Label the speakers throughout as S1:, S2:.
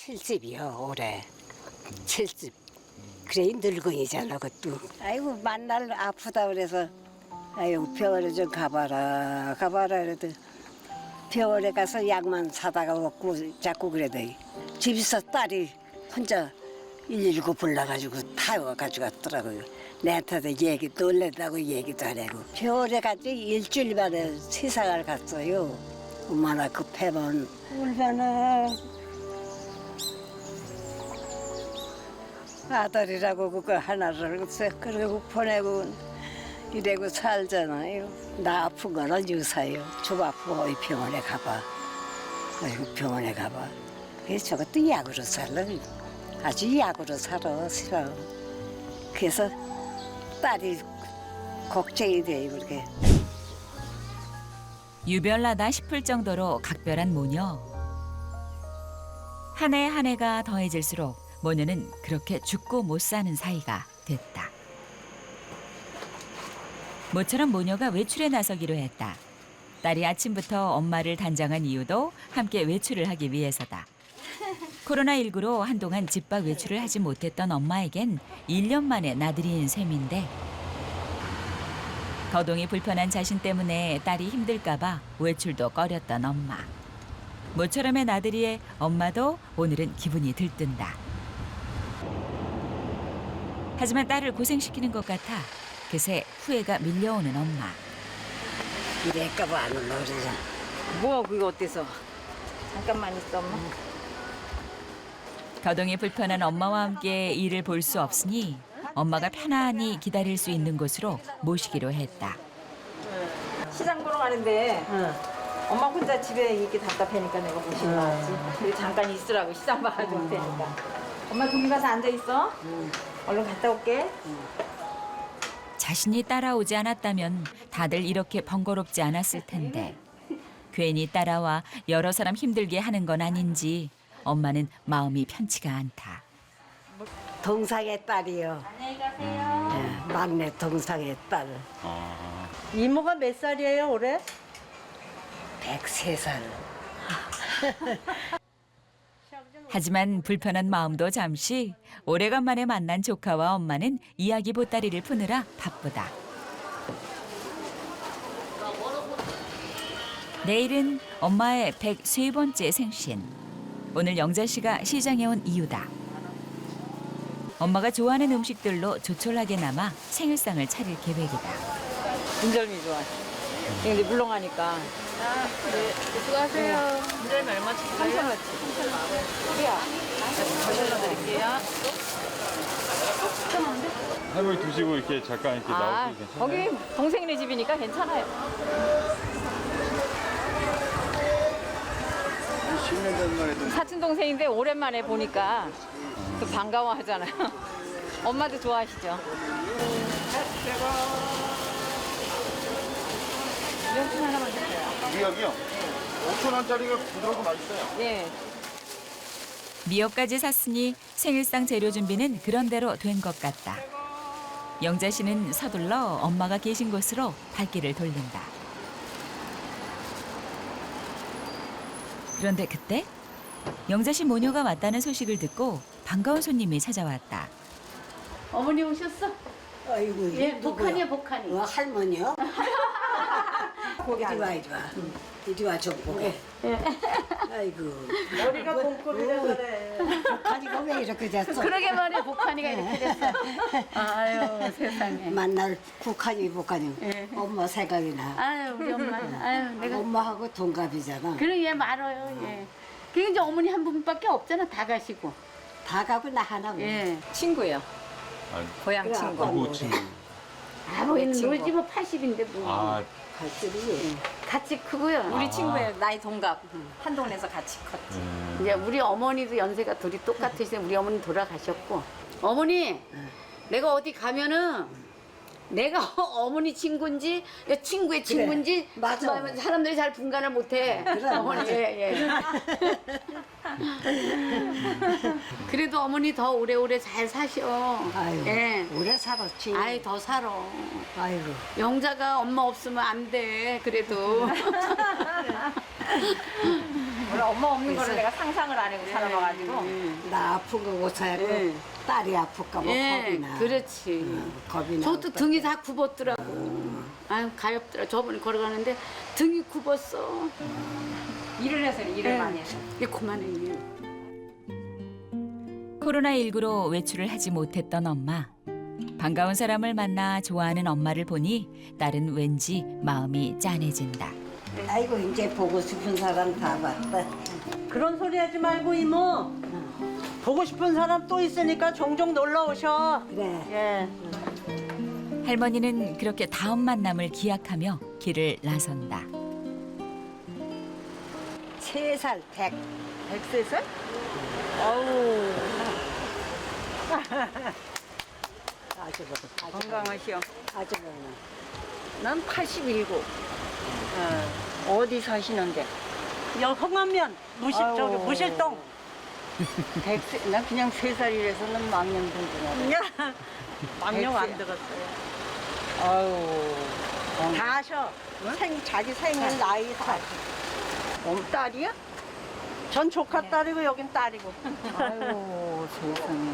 S1: 70이요 올해 70. 그래 늙은이잖아 그것도. 아이고 만날 아프다 그래서 아이고 병원에 좀 가봐라 그래도 병원에 가서 약만 사다가 먹고 자꾸 그래도 집에서 딸이 혼자 119 불러가지고 타고 가져갔더라고요. 내한테도 얘기 놀랬다고 얘기도 안 하고 병원에 가지 일주일 만에 세상을 갔어요. 얼마나 급해면 울면은 아들이라고 그거 하나를 그러고 보내고 이래고 살잖아요. 나 아픈 거는 유사요. 좀 아프고 어이 병원에 가봐. 어이 병원에 가봐. 그래서 저것도 약으로 살아. 아주 약으로 살아 싫어. 그래서 딸이 걱정이 돼요 그렇게.
S2: 유별나다 싶을 정도로 각별한 모녀. 한 해 한 해가 더해질수록 모녀는 그렇게 죽고 못 사는 사이가 됐다. 모처럼 모녀가 외출에 나서기로 했다. 딸이 아침부터 엄마를 단장한 이유도 함께 외출을 하기 위해서다. 코로나19로 한동안 집 밖 외출을 하지 못했던 엄마에겐 1년 만에 나들이인 셈인데 거동이 불편한 자신 때문에 딸이 힘들까 봐 외출도 꺼렸던 엄마. 모처럼의 나들이에 엄마도 오늘은 기분이 들뜬다. 하지만 딸을 고생시키는 것 같아 그새 후회가 밀려오는 엄마.
S1: 이럴까봐 안 올라 그러잖아.
S3: 뭐야 그게 어때서? 잠깐만 있어 엄마.
S2: 거동이 불편한 엄마와 함께 일을 볼 수 없으니 엄마가 편안히 기다릴 수 있는 곳으로 모시기로 했다.
S3: 시장 보러 가는데 엄마 혼자 집에 있기 답답하니까 내가 모시고 왔지. 그래 잠깐 있으라고 시장 봐가지고 올 테니까. 엄마 저기 가서 앉아 있어. 얼른 갔다 올게.
S2: 자신이 따라오지 않았다면 다들 이렇게 번거롭지 않았을 텐데 괜히 따라와 여러 사람 힘들게 하는 건 아닌지 엄마는 마음이 편치가 않다.
S1: 동상의 딸이요.
S3: 안녕히 가세요.
S1: 예, 막내 동상의 딸.
S3: 이모가 몇 살이에요 올해?
S1: 103살.
S2: 하지만 불편한 마음도 잠시 오래간만에 만난 조카와 엄마는 이야기 보따리를 푸느라 바쁘다. 내일은 엄마의 103번째 생신. 오늘 영자 씨가 시장에 온 이유다. 엄마가 좋아하는 음식들로 조촐하게 남아 생일상을 차릴 계획이다.
S3: 인절미 좋아. 근데 물렁하니까.
S4: 네, 수고하세요. 인절미 얼마치 드려요?
S3: 3,000원치. 우리야.
S4: 드릴게요.
S5: 할머니 드시고 이렇게 잠깐 이렇게 나오기 괜찮아요?
S3: 거기 동생네 집이니까 괜찮아요.
S5: 10년 전만 해도
S3: 사촌 동생인데 오랜만에 보니까 또 반가워하잖아요. 엄마도 좋아하시죠? 명품 하나만 주세요.
S5: 미역이요? 5,000원짜리가 부드럽고 맛있어요.
S3: 예.
S2: 미역까지 샀으니 생일상 재료 준비는 그런대로 된 것 같다. 영자 씨는 서둘러 엄마가 계신 곳으로 발길을 돌린다. 그런데 그때 영자 씨 모녀가 왔다는 소식을 듣고 반가운 손님이 찾아왔다.
S4: 어머니 오셨어?
S1: 아이고
S4: 예, 복한이야, 복한이.
S1: 할머니요? 이리 와 이리 와. 이리 와 좀 보게. 아이고
S3: 머리가 곰곰이라 그래.
S1: 아니가 왜 이렇게 됐어?
S4: 그러게 말해, 복한이가 이렇게 됐어. 아유, 세상에.
S1: 만날 국한이 복한이
S4: 예.
S1: 엄마 생각이 나.
S4: 아유, 우리 엄마. 아유, 내가.
S1: 엄마하고 동갑이잖아.
S4: 그래, 얘 말아요, 예. 그게 이제 어머니 한 분밖에 없잖아, 다 가시고.
S1: 다 가고 나 하나.
S4: 예.
S3: 친구예요. 고향
S1: 그래,
S3: 친구.
S1: 아빠
S5: 아이고 친구.
S4: 아버지는
S3: 친구.
S4: 놀지 뭐 80인데 뭐.
S5: 아,
S1: 갈색이.
S4: 같이 크고요.
S3: 우리 친구예요. 나이 동갑. 한 동네에서 같이 컸지.
S4: 이제 우리 어머니도 연세가 둘이 똑같으시데 우리 어머니 돌아가셨고. 어머니, 내가 어디 가면은 내가 어머니 친구인지 친구의 친구인지
S1: 맞아.
S4: 사람들이 잘 분간을 못해.
S1: 그래,
S4: 어머니,
S1: 맞아.
S4: 예. 그래도 어머니 더 오래오래 잘 사셔.
S1: 아유,
S4: 예.
S1: 오래 살았지.
S4: 아이 더 살아.
S1: 아이고.
S4: 영자가 엄마 없으면 안 돼. 그래도.
S3: 우리 엄마 없는 거를 내가 상상을 안 하고 살아봐가지고.
S1: 나 아픈 거 고쳐야
S4: 예.
S1: 딸이 아플까 봐 겁이 나.
S4: 그렇지.
S1: 겁이 나.
S4: 저도 등이 다 굽었더라고. 아유 가렵더라. 저번에 걸어가는데 등이 굽었어.
S3: 일을 해서 일을 많이 해서.
S4: 이게 그만해.
S2: 코로나19로 외출을 하지 못했던 엄마. 반가운 사람을 만나 좋아하는 엄마를 보니 딸은 왠지 마음이 짠해진다.
S1: 아이고 이제 보고 싶은 사람 다 봤다.
S6: 그런 소리 하지 말고 이모. 보고 싶은 사람 또 있으니까 종종 놀러 오셔.
S1: 그래.
S6: 예.
S2: 할머니는 그렇게 다음 만남을 기약하며 길을 나선다.
S1: 3살 100.
S6: 100살? 아우.
S1: 아주
S6: 건강하시오.
S1: 아주 많아.
S6: 난 87. 어디 사시는데? 여기 홍안면 저기 무실동. 100세, 난 그냥 3살이라서는 망령 든 줄 알아. 망령 안 들었어요. 아유. 다 하셔. 자기 생일 나이 다 하셔. 딸이야? 전 조카 딸이고 여긴 딸이고. 아유 세상에.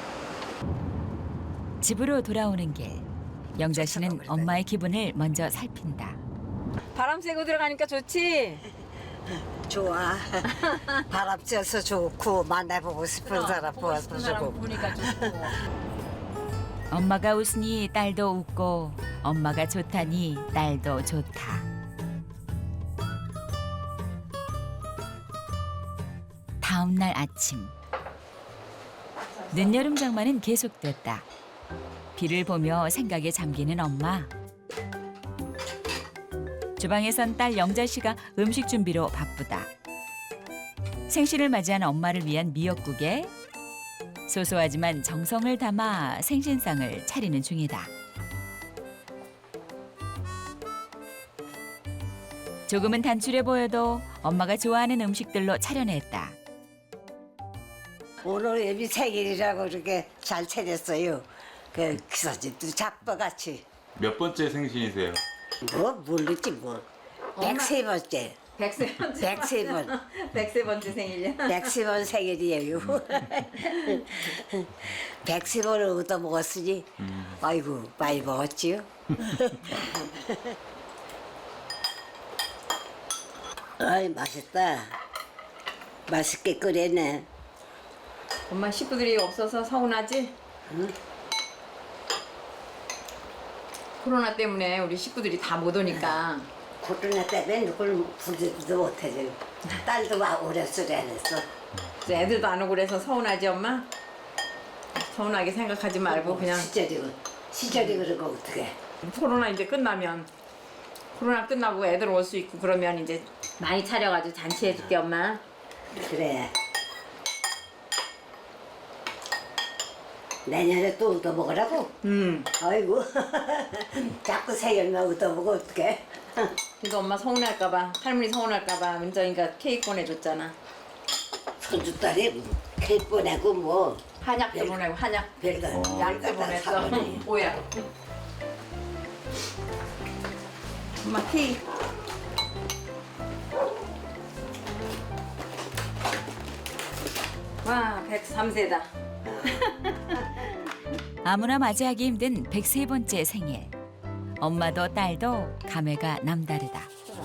S2: 집으로 돌아오는 길. 영자 씨는 엄마의 기분을 먼저 살핀다.
S3: 바람 쐬고 들어가니까 좋지?
S1: 좋아. 바람 쐬서 좋고 만나보고 싶은 사람 보아서 좋고.
S3: 보니까 좋고.
S2: 엄마가 웃으니 딸도 웃고 엄마가 좋다니 딸도 좋다. 다음 날 아침. 늦여름 장마는 계속됐다. 비를 보며 생각에 잠기는 엄마. 주방에선 딸 영자 씨가 음식 준비로 바쁘다. 생신을 맞이한 엄마를 위한 미역국에 소소하지만 정성을 담아 생신상을 차리는 중이다. 조금은 단출해 보여도 엄마가 좋아하는 음식들로 차려냈다.
S1: 오늘 애비 생일이라고 그렇게 잘 차렸어요. 그 기사집도 작버같이.
S5: 몇 번째 생신이세요?
S1: 뭐 모르지 뭐. 103번째.
S3: 100세
S1: 103번.
S3: 100세 생일이야.
S1: 103번 생일이에요. 103번을 얻어 먹었으니 아이고 많이 먹었지요. 아이 맛있다. 맛있게 끓였네.
S3: 엄마 식구들이 없어서 서운하지?
S1: 응?
S3: 코로나 때문에 우리 식구들이 다 못 오니까.
S1: 코로나 때문에 누굴 부르지도 못하죠. 딸도 막 오래 소리 안 했어.
S3: 이제 애들도 안 오고 그래서 서운하지 엄마? 서운하게 생각하지 말고 그냥
S1: 시절이 그러고 어떡해.
S3: 코로나 이제 끝나면 코로나 끝나고 애들 올 수 있고 그러면 이제 많이 차려가지고 잔치해줄게 엄마.
S1: 그래. 내년에 또 얻어먹으라고? 아이고 자꾸 생일만 얻어먹어 어떡해.
S3: 그래도 엄마 서운할까봐 할머니 서운할까봐 은정이가 케이크 보내줬잖아.
S1: 손주딸이 케이크 보내고 뭐
S3: 한약도 보내고 한약
S1: 별거
S3: 약도 보냈어. 뭐야? 엄마 케이크. 와 103세다.
S2: 아무나 맞이하기 힘든 103번째 생일. 엄마도 딸도 감회가 남다르다.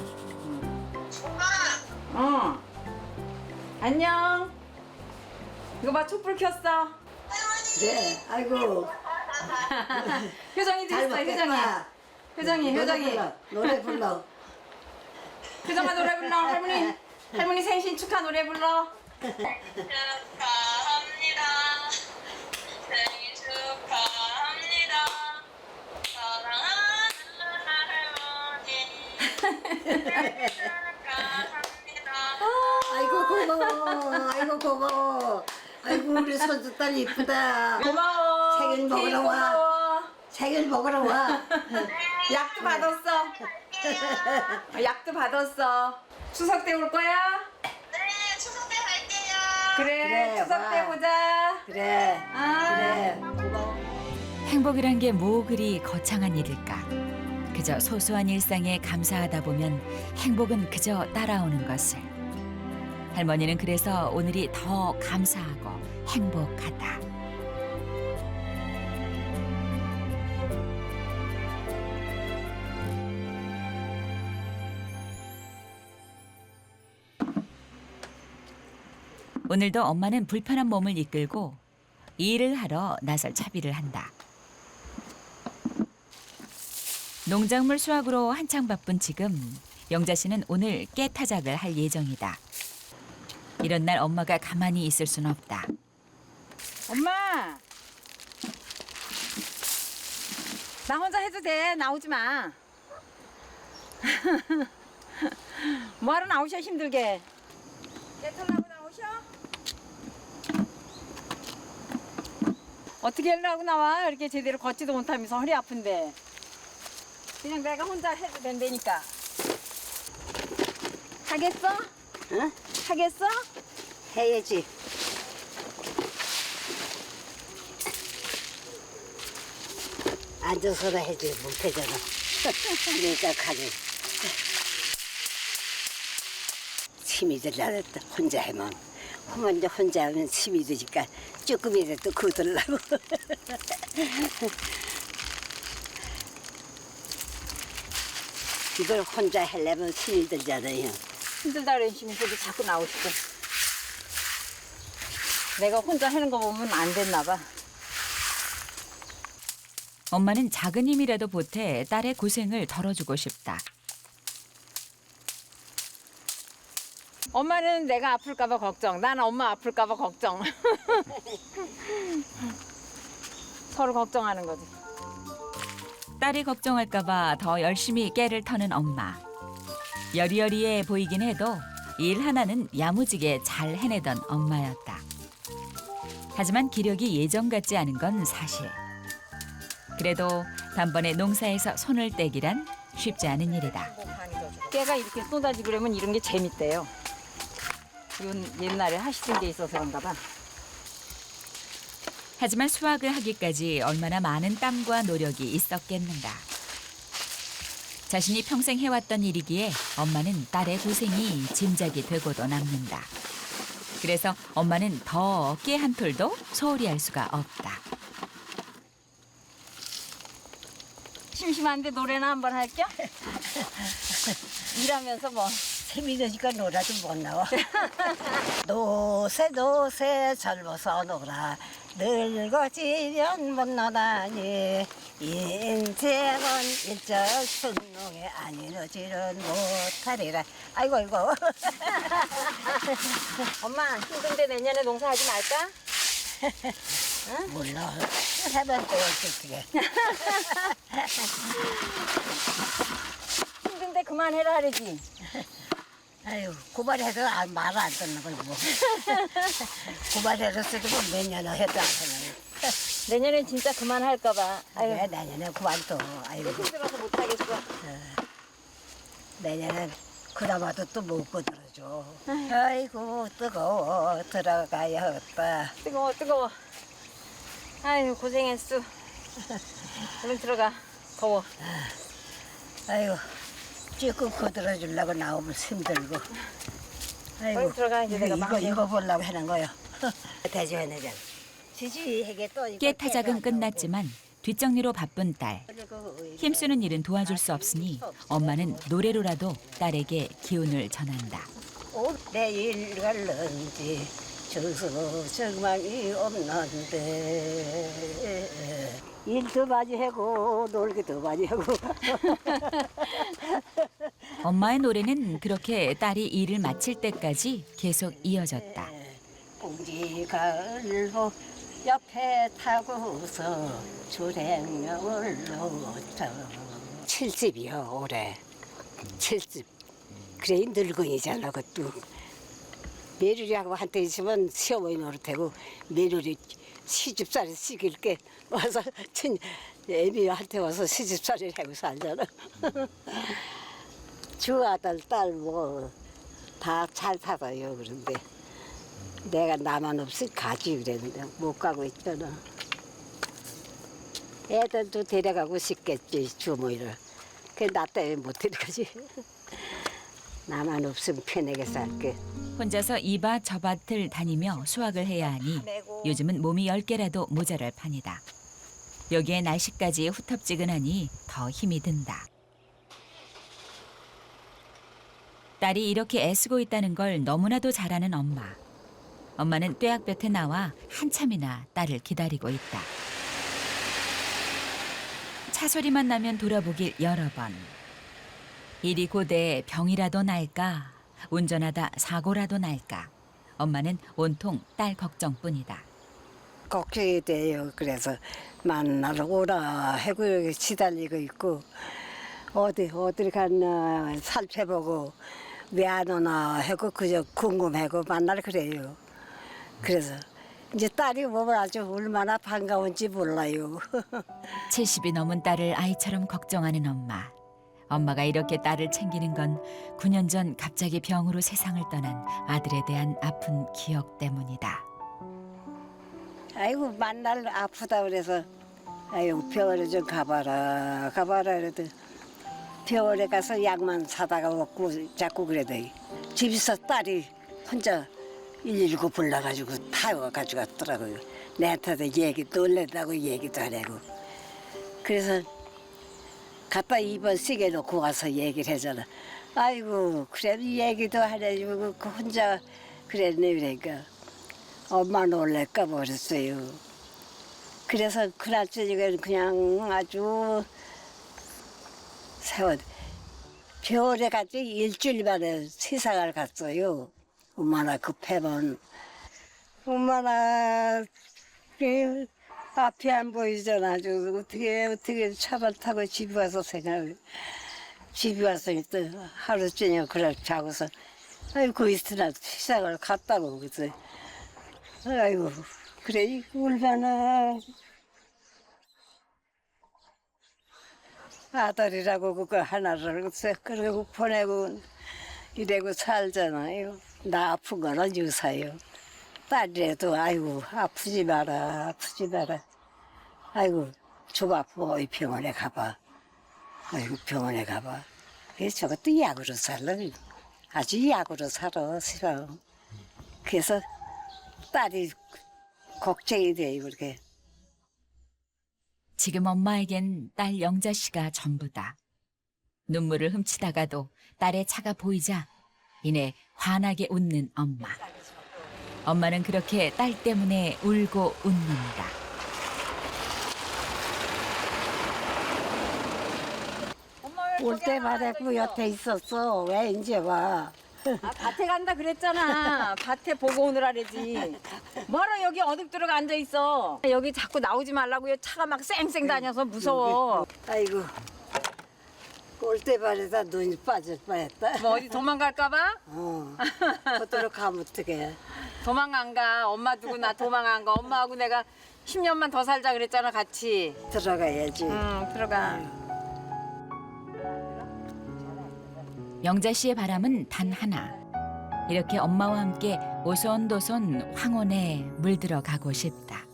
S3: 어. 안녕. 이거 봐 촛불 켰어.
S1: 그래. 아이고
S3: 효정이도 있어 효정이. 효정이 효정이.
S1: 노래 불러.
S3: 효정아 노래 불러. 할머니 생신 축하 노래 불러.
S7: 축하합니다. 생일 축하합니다. 사랑하는 할머니. 생일 축하합니다.
S1: 아이고 고마워. 아이고 고마워. 아이고 우리 손주딸 이쁘다.
S3: 고마워.
S1: 생일 먹으러
S3: 케이크
S1: 와.
S3: 고마워.
S1: 생일 먹으러 와.
S3: 약도 받았어. 약도 받았어. 추석 때 올 거야?
S7: 네, 추석 때 갈게요.
S3: 그래,
S1: 그래,
S3: 추석 때
S1: 와.
S3: 보자.
S1: 그래.
S3: 아.
S1: 그래. 고마워.
S2: 행복이란 게 뭐 그리 거창한 일일까? 그저 소소한 일상에 감사하다 보면 행복은 그저 따라오는 것을. 할머니는 그래서 오늘이 더 감사하고 행복하다. 오늘도 엄마는 불편한 몸을 이끌고 일을 하러 나설 차비를 한다. 농작물 수확으로 한창 바쁜 지금 영자 씨는 오늘 깨타작을 할 예정이다. 이런 날 엄마가 가만히 있을 순 없다.
S3: 엄마! 나 혼자 해도 돼. 나오지 마. 뭐하러 나오셔 힘들게. 깨털라고 나오셔? 어떻게 하려고 나와? 이렇게 제대로 걷지도 못하면서 허리 아픈데. 그냥 내가 혼자 해도 된다니까. 하겠어?
S1: 응?
S3: 하겠어?
S1: 해야지. 앉아서라 해지 못하잖아. 그러니까 가지. 힘이 들라랬다. 혼자 하면. 혼자 하면 힘이 드니까 조금이라도 굳으려고. 이걸 혼자 하려면 힘이 들잖아요.
S3: 힘들다 그러시면서도 자꾸 나오시고. 내가 혼자 하는 거 보면 안 됐나 봐.
S2: 엄마는 작은 힘이라도 보태 딸의 고생을 덜어주고 싶다.
S3: 엄마는 내가 아플까 봐 걱정. 나는 엄마 아플까 봐 걱정. 서로 걱정하는 거지.
S2: 딸이 걱정할까 봐 더 열심히 깨를 터는 엄마. 여리여리해 보이긴 해도 일 하나는 야무지게 잘 해내던 엄마였다. 하지만 기력이 예전 같지 않은 건 사실. 그래도 단번에 농사에서 손을 떼기란 쉽지 않은 일이다.
S3: 깨가 이렇게 쏟아지고 그러면 이런 게 재밌대요. 이건 옛날에 하시던 게 있어서 그런가 봐.
S2: 하지만 수확을 하기까지 얼마나 많은 땀과 노력이 있었겠는가. 자신이 평생 해왔던 일이기에 엄마는 딸의 고생이 짐작이 되고도 남는다. 그래서 엄마는 더 깨 한 톨도 소홀히 할 수가 없다.
S3: 심심한데 노래나 한번 할게요? 일하면서 뭐.
S1: 힘이 드니까 놀아도 못 나와. 노새 젊어서 놀아 늙어지면 못 나다니 인생은 일절 순농에 안 이루지는 못하리라. 아이고
S3: 엄마 힘든데 내년에 농사하지 말까?
S1: 몰라. 해면 또 어떻게.
S3: 힘든데 그만해라 하려지.
S1: 아유, 고발해도 말을 안 듣는 걸 뭐. 고발해도 쓰고 몇 년을 해도 안 듣는 거.
S3: 내년엔 진짜 그만할까 봐. 아유,
S1: 왜 내년에 고발도. 아이고,
S3: 힘들어서 못하겠어.
S1: 내년엔 그나마도 또 못 거들어줘. 아이고, 뜨거워. 들어가야겠다.
S3: 뜨거워. 아유, 고생했어. 얼른 들어가. 더워.
S1: 아이고, 조금 거들어주려고 나오면 힘들고. 아이고,
S3: 빨리 들어가, 이제 내가
S1: 이거 보려고 하는 거요. 대지해내자. 지지하게 또.
S2: 깨 타작은 끝났지만 뒷정리로 바쁜 딸. 힘쓰는 일은 도와줄 수 없으니 엄마는 노래로라도 딸에게 기운을 전한다.
S1: 내일 갈런지 정망이 없는데 일도 많이 하고 놀기도 많이 하고.
S2: 엄마의 노래는 그렇게 딸이 일을 마칠 때까지 계속 이어졌다.
S1: 봉지 가을보 옆에 타고서 주행명을 놓쳐. 70이요 올해. 70. 그래 늙은이잖아 그것도. 며느리하고 한테 있으면 시어머니 노릇하고 며느리 시집살이 시킬 게 와서 애미한테 와서 시집살이를 하고 살잖아. 주 아들 딸 뭐 다 잘 살아요. 그런데 내가 나만 없이 가지 그랬는데 못 가고 있잖아. 애들도 데려가고 싶겠지 주모이를. 그나 때문에 못 데려가지. 나만 없으면 편하게 살게.
S2: 혼자서 이 밭 저 밭을 다니며 수확을 해야 하니 요즘은 몸이 10개라도 모자랄 판이다. 여기에 날씨까지 후텁지근하니 더 힘이 든다. 딸이 이렇게 애쓰고 있다는 걸 너무나도 잘 아는 엄마. 엄마는 뙤약볕에 나와 한참이나 딸을 기다리고 있다. 차 소리만 나면 돌아보길 여러 번. 일이 고대 병이라도 날까, 운전하다 사고라도 날까. 엄마는 온통 딸 걱정뿐이다.
S1: 걱정이 돼요. 그래서 만나러 오라 하고 이렇게 시달리고 있고 어디 갔나 살펴보고 왜 안 오나 하고 그저 궁금하고 만나러 그래요. 그래서 이제 딸이 오면 아주 얼마나 반가운지 몰라요.
S2: 70이 넘은 딸을 아이처럼 걱정하는 엄마. 엄마가 이렇게 딸을 챙기는 건 9년 전 갑자기 병으로 세상을 떠난 아들에 대한 아픈 기억 때문이다.
S1: 아이고 만날 아프다 그래서 아이고 병원에 좀 가봐라 그래도 병원에 가서 약만 사다가 먹고 자꾸 그래도 집에서 딸이 혼자 119 불러가지고 타고 가져갔더라고요. 내한테도 놀랬다고 얘기도 하려고. 그래서 갖다 입원 쓰게 놓고 와서 얘기를 하잖아. 아이고 그래 얘기도 하려고 그 혼자 그랬네. 그러니까 엄마 놀랄까 버렸어요. 그래서 그날 저녁에 그냥 아주 병원에 갔지 일주일 만에 세상을 갔어요. 얼마나 급하면 얼마나 앞이 안 보이잖아. 아주 어떻게 차를 타고 집에 와서 집에 와서 또 하루 저녁 그날 자고서 아이고 이튿날 세상을 갔다고 그래서 아이고 그래 얼마나 아들이라고 그거 하나를 그러고 보내고 이래고 살잖아요. 나 아픈 거는 유사요. 딸이라도 아이고 아프지 마라. 아이고 좀 아프고 병원에 가봐. 아이고 병원에 가봐. 저것도 약으로 살라. 아주 약으로 살아 싫어. 그래서 딸이 걱정이 돼요 그렇게.
S2: 지금 엄마에겐 딸 영자 씨가 전부다. 눈물을 훔치다가도 딸의 차가 보이자 이내 환하게 웃는 엄마. 엄마는 그렇게 딸 때문에 울고 웃는다.
S1: 올 때마다 그 옆에 있었어. 왜 이제 와?
S3: 아, 밭에 간다 그랬잖아. 밭에 보고 오느라래지. 뭐하러 여기 어둡 들어가 앉아 있어. 여기 자꾸 나오지 말라고요. 차가 막 쌩쌩 다녀서 무서워.
S1: 아이고 올 때마다 눈이 빠질 뻔했다.
S3: 뭐 어디 도망갈까 봐?
S1: 그대로 가면 어떡해.
S3: 도망 안 가. 엄마 두고 나 도망 안 가. 엄마하고 내가 10년만 더 살자 그랬잖아 같이.
S1: 들어가야지.
S3: 응 들어가.
S2: 영자 씨의 바람은 단 하나. 이렇게 엄마와 함께 오손도손 황혼에 물들어 가고 싶다.